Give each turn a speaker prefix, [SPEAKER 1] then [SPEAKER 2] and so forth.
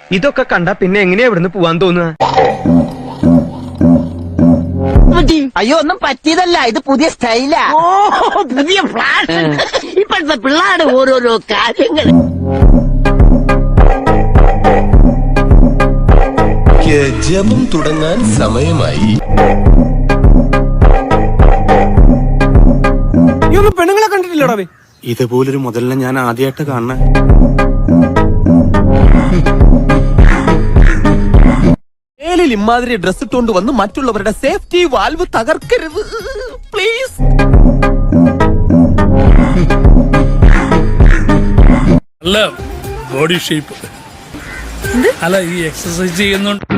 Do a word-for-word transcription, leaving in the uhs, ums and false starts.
[SPEAKER 1] ഇതൊക്കെ കണ്ട പിന്നെ എങ്ങനെയാ ഇവിടുന്ന് പോവാൻ തോന്നുക?
[SPEAKER 2] അയ്യോ ഒന്നും പറ്റിയതല്ല, ഇത് പുതിയ സ്റ്റൈലാ. ഓ പുതിയ ഫ്ലാഷ്. ഇപ്പോഴത്തെ പിള്ളേരുടെ ഓരോരോ കാര്യങ്ങൾ.
[SPEAKER 3] ജപം തുടങ്ങാൻ സമയമായി.
[SPEAKER 1] പെണ്ണുങ്ങളെ കണ്ടിട്ടില്ലടാ?
[SPEAKER 4] ഇതുപോലൊരു മുതലിനെ ഞാൻ ആദ്യമായിട്ട് കാണണ.
[SPEAKER 3] ഏലിൽ ഇമാതിരി ഡ്രസ് ഇട്ടുകൊണ്ട് വന്ന് മറ്റുള്ളവരുടെ സേഫ്റ്റി വാൽവ് തകർക്കരുത് പ്ലീസ്.
[SPEAKER 5] അല്ല ബോഡി ഷേപ്പ് അല്ല ഈ എക്സസൈസ് ചെയ്യുന്നുണ്ട്.